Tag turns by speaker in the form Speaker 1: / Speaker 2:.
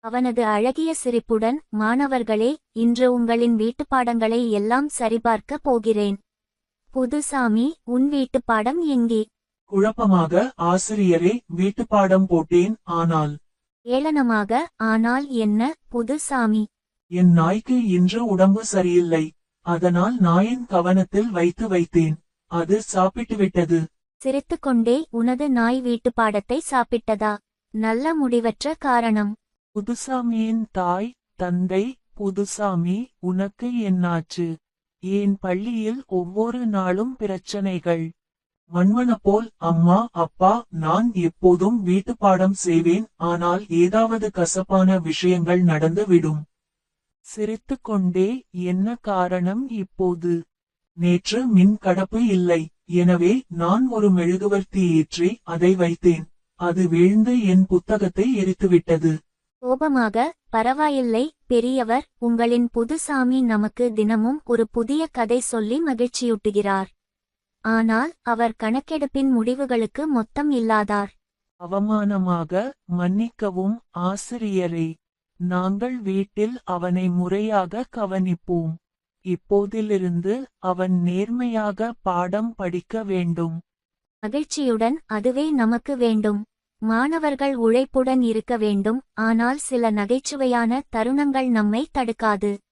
Speaker 1: அவனது அழகிய சிரிப்புடன், மாணவர்களே, இன்று உங்களின் வீட்டுப்பாடங்களை எல்லாம் சரிபார்க்க போகிறேன். புதுசாமி, உன் வீட்டுப்பாடம் எங்கே?
Speaker 2: குழப்பமாக, ஆசிரியரே, வீட்டுப்பாடம் போட்டேன், ஆனால்.
Speaker 1: ஏளனமாக, ஆனால் என்ன, புதுசாமி?
Speaker 2: என் நாய்க்கு இன்று உடம்பு சரியில்லை. அதனால் நாயின் கவனத்தில் வைத்தேன். அது சாப்பிட்டுவிட்டது.
Speaker 1: சிரித்துக்கொண்டே, உனது நாய் வீட்டுப்பாடத்தை சாப்பிட்டதா? நல்ல முடிவற்ற காரணம்.
Speaker 2: புதுசாமியின் தாய், தந்தை. புதுசாமி, உனக்கு என்னாச்சு? என் பள்ளியில் ஒவ்வொரு நாளும் பிரச்சனைகள். மண்மனப்போல், அம்மா அப்பா, நான் எப்போதும் வீட்டுப்பாடம் செய்வேன், ஆனால் ஏதாவது கசப்பான விஷயங்கள் நடந்து விடும். சிரித்துக்கொண்டே, என்ன காரணம் இப்போது? நேற்று மின் கடப்பு இல்லை. எனவே நான் ஒரு மெழுகுவர்த்தி ஏற்றி அதை வைத்தேன். அது வீழ்ந்து என் புத்தகத்தை எரித்துவிட்டது.
Speaker 1: கோபமாக, பரவாயில்லை பெரியவர், உங்களின் புதுசாமி நமக்கு தினமும் ஒரு புதிய கதை சொல்லி மகிழ்ச்சியூட்டுகிறார். ஆனால் அவர் கணக்கெடுப்பின் முடிவுகளுக்கு மொத்தம் இல்லாதார்.
Speaker 2: அவமானமாக, மன்னிக்கவும் ஆசிரியரே. நாங்கள் வீட்டில் அவனை முறையாக கவனிப்போம். இப்போதிலிருந்து அவன் நேர்மையாக பாடம் படிக்க வேண்டும்.
Speaker 1: மகிழ்ச்சியுடன், அதுவே நமக்கு வேண்டும். மாணவர்கள் உழைப்புடன் இருக்க வேண்டும், ஆனால் சில நகைச்சுவையான தருணங்கள் நம்மை தடுக்காது.